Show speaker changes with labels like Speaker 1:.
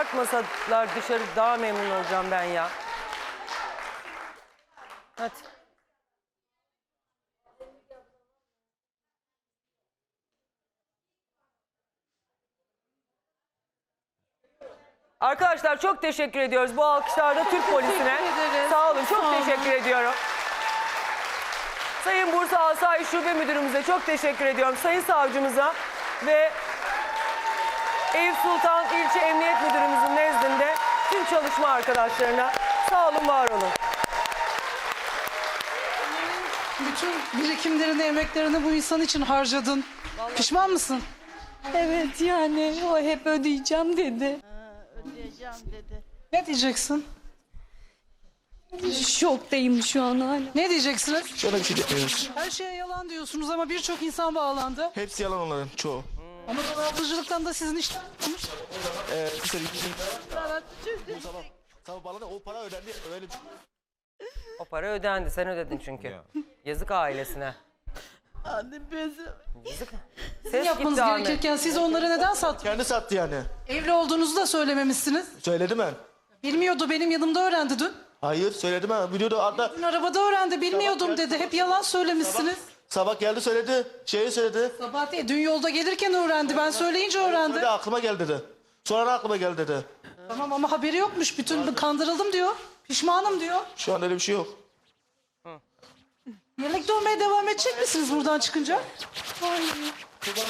Speaker 1: çıkartmasalar dışarı daha memnun olacağım ben ya. Hadi. Arkadaşlar çok teşekkür ediyoruz bu alkışlarda Türk polisine.
Speaker 2: ederiz.
Speaker 1: Sağ olun, çok
Speaker 2: Sağ olun.
Speaker 1: teşekkür ediyorum. Sayın Bursa Asayiş Şube Müdürümüze çok teşekkür ediyorum. Sayın Savcımıza ve Eyüp Sultan İlçe Emniyet Müdürümüzün nezdinde tüm çalışma arkadaşlarına sağ olun, var olun.
Speaker 2: Bütün birikimlerini, emeklerini bu insan için harcadın. Pişman mısın?
Speaker 3: Evet, yani o hep ödeyeceğim dedi.
Speaker 4: Ödeyeceğim dedi.
Speaker 2: Ne diyeceksin?
Speaker 3: Şoktayım şu an hala.
Speaker 2: Ne diyeceksiniz?
Speaker 5: Şöyle bir şey demiyoruz.
Speaker 2: Her şeye yalan diyorsunuz ama birçok insan bağlandı.
Speaker 5: Hepsi yalan onların çoğu.
Speaker 2: Ama dolandırıcılıktan da sizin işler tutmuş.
Speaker 5: Bir sene bizim
Speaker 4: Sana düşürdüm.
Speaker 5: sabah bağladı o para ödendi öyle bir
Speaker 1: O para ödendi, sen ödedin çünkü. Yazık ailesine.
Speaker 4: Anne bezim.
Speaker 1: Yazık.
Speaker 2: Sizin
Speaker 1: Ses
Speaker 2: yapmanız
Speaker 1: gitti Ahmet.
Speaker 2: gerekirken siz onları neden sattınız?
Speaker 5: kendi sattı yani.
Speaker 2: Evli olduğunuzu da söylememişsiniz.
Speaker 5: Söyledim ben.
Speaker 2: Bilmiyordu, benim yanımda öğrendi dün.
Speaker 5: Hayır söyledim ben. Videoda hatta
Speaker 2: Dün arabada öğrendi, bilmiyordum dedi. Hep yalan söylemişsiniz.
Speaker 5: sabah geldi söyledi. Şeyi söyledi.
Speaker 2: Sabah değil, dün yolda gelirken öğrendi. Ben söyleyince öğrendi.
Speaker 5: Söyledi aklıma geldi dedi. Sonra aklıma geldi dedi.
Speaker 2: Tamam ama haberi yokmuş. Bütün kandırıldım diyor. Pişmanım diyor.
Speaker 5: Şu an öyle bir şey yok.
Speaker 2: Birlikte olmaya devam edecek misiniz buradan çıkınca?
Speaker 3: Hayır.